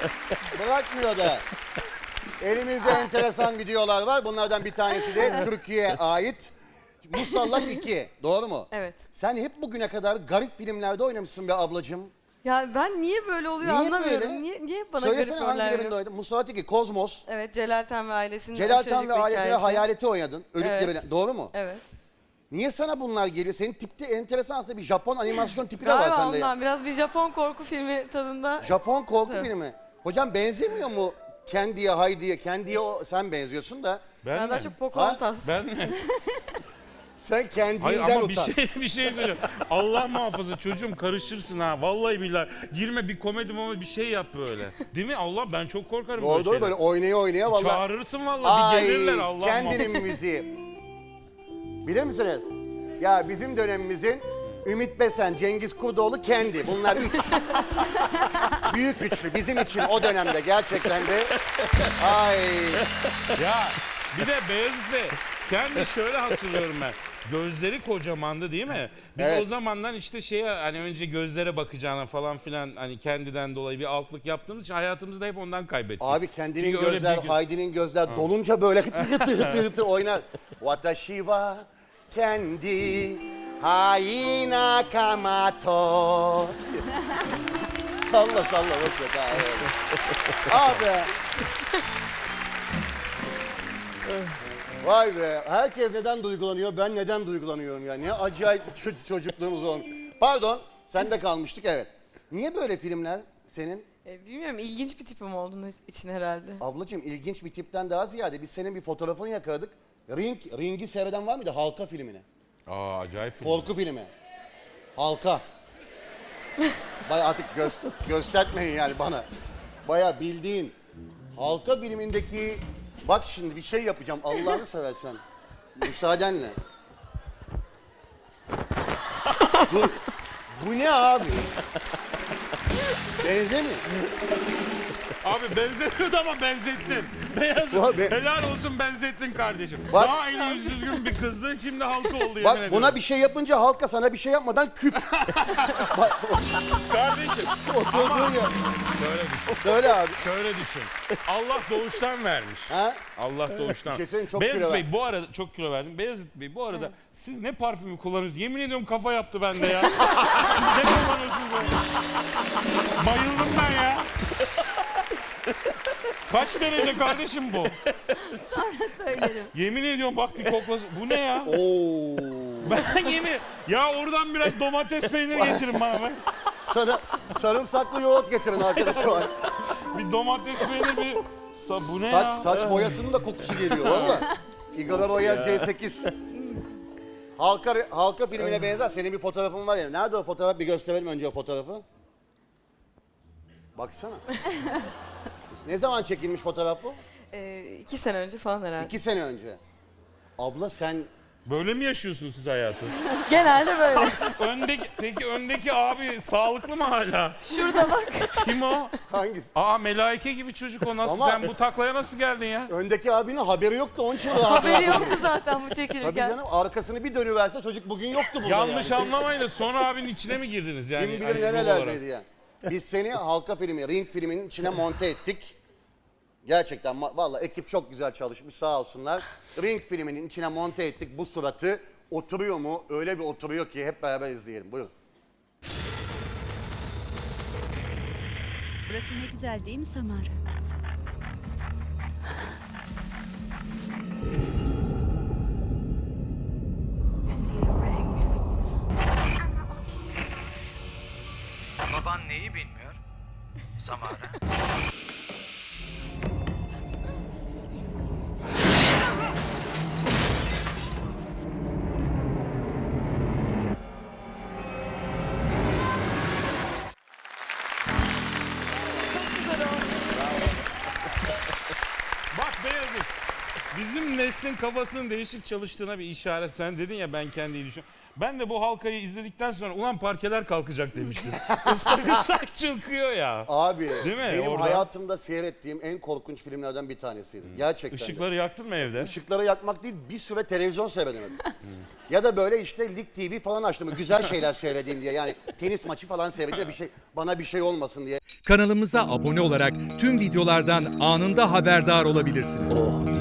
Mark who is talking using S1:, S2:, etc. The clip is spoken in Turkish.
S1: Bırakmıyor da. Elimizde enteresan videolar var. Bunlardan bir tanesi de Türkiye'ye ait. Musallat 2. Doğru mu?
S2: Evet.
S1: Sen hep bugüne kadar garip filmlerde oynamışsın be ablacığım.
S2: Ya ben niye böyle oluyor
S1: Niye
S2: anlamıyorum.
S1: böyle?
S2: Niye bana
S1: Söylesene
S2: garip
S1: hangi
S2: roller
S1: birinde
S2: veriyor?
S1: oynadın? Musallat 2, Kozmos.
S2: Evet, Celal Tan ve ailesinin
S1: Celal
S2: aşırıcık
S1: Tan ve
S2: bir
S1: ailesine
S2: hikayesi.
S1: hayaleti oynadın. Ölüp
S2: Evet.
S1: dirilen. Doğru mu?
S2: Evet.
S1: Niye sana bunlar geliyor? Senin tipte enteresan aslında bir Japon animasyon tipi de var
S2: Galiba
S1: sende ya.
S2: ondan biraz bir Japon korku filmi tadında.
S1: Japon korku
S2: Evet.
S1: filmi. Hocam benzemiyor mu Candy'ye, Heidi'ye? Candy'ye sen benziyorsun da.
S2: Ben daha çok Pocahontas.
S3: Ben mi?
S1: Sen
S3: Hayır
S1: kendinden
S3: ama
S1: utan.
S3: bir şey söyleyeyim. Allah muhafaza çocuğum karışırsın ha. Vallahi billahi. Girme bir komedi ama bir şey yap böyle. Değil mi? Allah ben çok korkarım
S1: Doğru doğru böyle oynaya oynaya vallahi.
S3: Çağırırsın vallahi bir gelirler Allah muhafaza.
S1: Kendinin müziği. Bilir misiniz? Ya bizim dönemimizin Ümit Besen, Cengiz Kurdoğlu, Kendi. Bunlar üç. Büyük üçlü bizim için o dönemde gerçekten de. Ay.
S3: Ya bir de Beyazıt Bey kendi şöyle hatırlıyorum ben. Gözleri kocamandı değil mi? Biz
S1: Evet.
S3: o zamandan işte şeye hani önce gözlere bakacağına falan filan hani kendiden dolayı bir altlık yaptığımız için hayatımızda hep ondan kaybettik.
S1: Abi Kendi'nin
S3: Çünkü öyle
S1: gözler,
S3: bir-
S1: Heidi'nin gözler dolunca böyle hıtı hıtı hıtı hıtı oynar. Watashi wa Kendi Hai Nakamoto. Salla salla boş ver. Ha, evet. Abi. Vay be. Herkes neden duygulanıyor? Ben neden duygulanıyorum ya? Ne acayip bir çocukluğumuz olmuş. Pardon. Sende kalmıştık evet. Niye böyle filmler senin?
S2: Bilmiyorum, ilginç bir tipim olduğunu için herhalde.
S1: Ablacığım ilginç bir tipten daha ziyade biz senin bir fotoğrafını yakaladık. Ring'i seyreden var mıydı? Halka filmini.
S3: Aa acayip film.
S1: Korku filmi. Halka. Bayağı artık göstermeyin yani bana. Bayağı bildiğin. Halka filmindeki... Bak şimdi bir şey yapacağım Allah'ını seversen. Müsaadenle. Dur. Bu ne abi? Benzemiyor.
S3: Abi benzemiyordu ama benzettin. Beyazıt
S1: Abi.
S3: helal olsun benzettin kardeşim.
S1: Bak.
S3: Daha eli yüz düzgün bir kızdı şimdi halka oldu
S1: Bak
S3: yemin
S1: buna
S3: ediyorum.
S1: bir şey yapınca halka sana bir şey yapmadan küp.
S3: Kardeşim
S1: Oturduğun yer.
S3: şöyle düşün.
S1: Söyle abi.
S3: Şöyle düşün. Allah doğuştan vermiş.
S1: Ha?
S3: Allah doğuştan.
S1: Bir şey söyleyeyim, çok
S3: Beyazıt
S1: kilo
S3: Bey
S1: ver.
S3: bu arada çok kilo verdim. Beyazıt Bey bu arada siz ne parfümü kullanıyorsunuz? Yemin ediyorum kafa yaptı bende ya. Siz ne kullanıyorsunuz böyle? Bayıldım ben ya. Kaç derece kardeşim bu?
S4: Sonra söylerim.
S3: Yemin ediyorum bak bir koklasın. Bu ne ya?
S1: Oo.
S3: Ben yemin... Ya oradan biraz domates peyniri getirin bana be.
S1: Sana sarımsaklı yoğurt getirin arkadaş var.
S3: Bir domates peyniri bir... Bu ne ya?
S1: Saç boyasının da kokusu geliyor valla. Igor Royal C8. Halka filmine benzer. Senin bir fotoğrafın var ya. Nerede o fotoğraf? Bir gösterelim önce o fotoğrafı. Baksana. Ne zaman çekilmiş fotoğraf bu?
S2: 2 sene önce falan herhalde.
S1: 2 sene önce. Abla sen...
S3: Böyle mi yaşıyorsunuz siz hayatı?
S2: Genelde böyle.
S3: Peki öndeki abi sağlıklı mı hala?
S2: Şurada bak.
S3: Kim o?
S1: Hangisi?
S3: Aa melaike gibi çocuk o nasıl?
S1: Ama-
S3: Sen bu taklaya nasıl geldin ya?
S1: Öndeki abinin haberi yoktu onun için rahat
S2: Haberi
S1: rahat
S2: yoktu
S1: konuşuyor.
S2: zaten bu
S1: Tabii
S2: çekilirken.
S1: canım arkasını bir dönüverse çocuk bugün yoktu burada
S3: Yanlış
S1: yani.
S3: anlamayın da sonra abinin içine mi girdiniz yani?
S1: Kim
S3: hani
S1: bilir
S3: yol
S1: nerelerdeydi
S3: olarak?
S1: ya. Biz seni halka filmi, Ring filminin içine monte ettik. Gerçekten vallahi ekip çok güzel çalışmış sağ olsunlar. Ring filminin içine monte ettik bu suratı. Oturuyor mu? Öyle bir oturuyor ki hep beraber izleyelim. Buyurun.
S4: Burası ne güzel değil mi Samara?
S5: Baban neyi bilmiyor? Samara.
S3: Bak Beyazıt. Bizim neslin kafasının değişik çalıştığına bir işaret. Sen dedin ya ben kendi düşün. Ben de bu halkayı izledikten sonra ulan parkeler kalkacak demiştim. Islak ıslak çıkıyor ya.
S1: Abi
S3: Değil mi?
S1: benim
S3: Orada-
S1: hayatımda seyrettiğim en korkunç filmlerden bir tanesiydi. Gerçekten. de.
S3: Işıkları yaktın mı evde?
S1: Işıkları yakmak değil bir süre televizyon seyredemedim. Ya da böyle işte Lig TV falan açtım. Güzel şeyler seyredeyim diye. Yani tenis maçı falan seyredeyim bir şey bana bir şey olmasın diye.
S6: Kanalımıza abone olarak tüm videolardan anında haberdar olabilirsiniz.
S1: Oh